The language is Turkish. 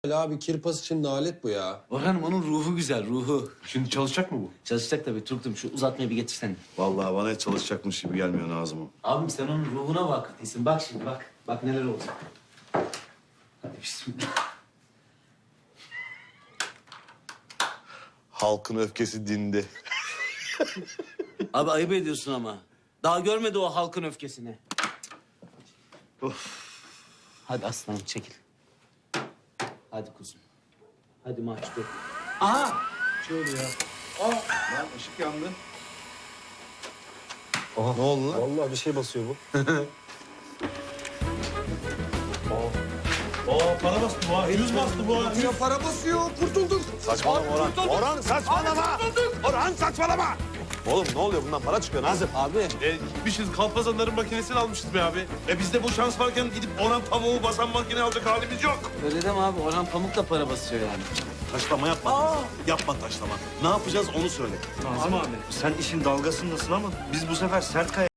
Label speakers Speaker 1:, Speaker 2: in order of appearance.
Speaker 1: Abi kirpas için alet bu ya.
Speaker 2: Orhan'ım onun ruhu güzel, ruhu.
Speaker 3: Şimdi çalışacak mı bu?
Speaker 2: Çalışacak tabii. Turgut'um şu uzatmayı bir getirsen.
Speaker 4: Vallahi bana hiç çalışacakmış gibi gelmiyor Nazım'ım.
Speaker 2: Abim sen onun ruhuna vakıf değilsin. Bak şimdi bak. Bak neler olacak. Hadi bismillah.
Speaker 4: Halkın öfkesi dindi.
Speaker 2: Abi ayıp ediyorsun ama. Daha görmedi o halkın öfkesini. Hadi aslanım çekil. Hadi kuzum. Hadi mahcup. Aha!
Speaker 4: Lan ışık yandı. Ne oldu lan?
Speaker 3: Vallahi bir şey basıyor bu. Para bastı bu ha. 100 bastı bu ha.
Speaker 1: Ya para basıyor, kurtulduk.
Speaker 4: Saçmalama Orhan. Orhan saçmalama. Orhan saçmalama. Oğlum ne oluyor bundan para çıkıyor Nazım?
Speaker 2: Abi.
Speaker 3: Gitmişiz kalpazanların makinesini almışız be abi. Bizde bu şans varken gidip Orhan tavuğu basan makine alacak halimiz yok.
Speaker 2: Öyle deme abi. Orhan Pamuk da para basıyor yani.
Speaker 4: Taşlama yapma. Yapma taşlama. Ne yapacağız onu söyle.
Speaker 5: Nazım abi sen işin dalgasındasın ama biz bu sefer sert kaya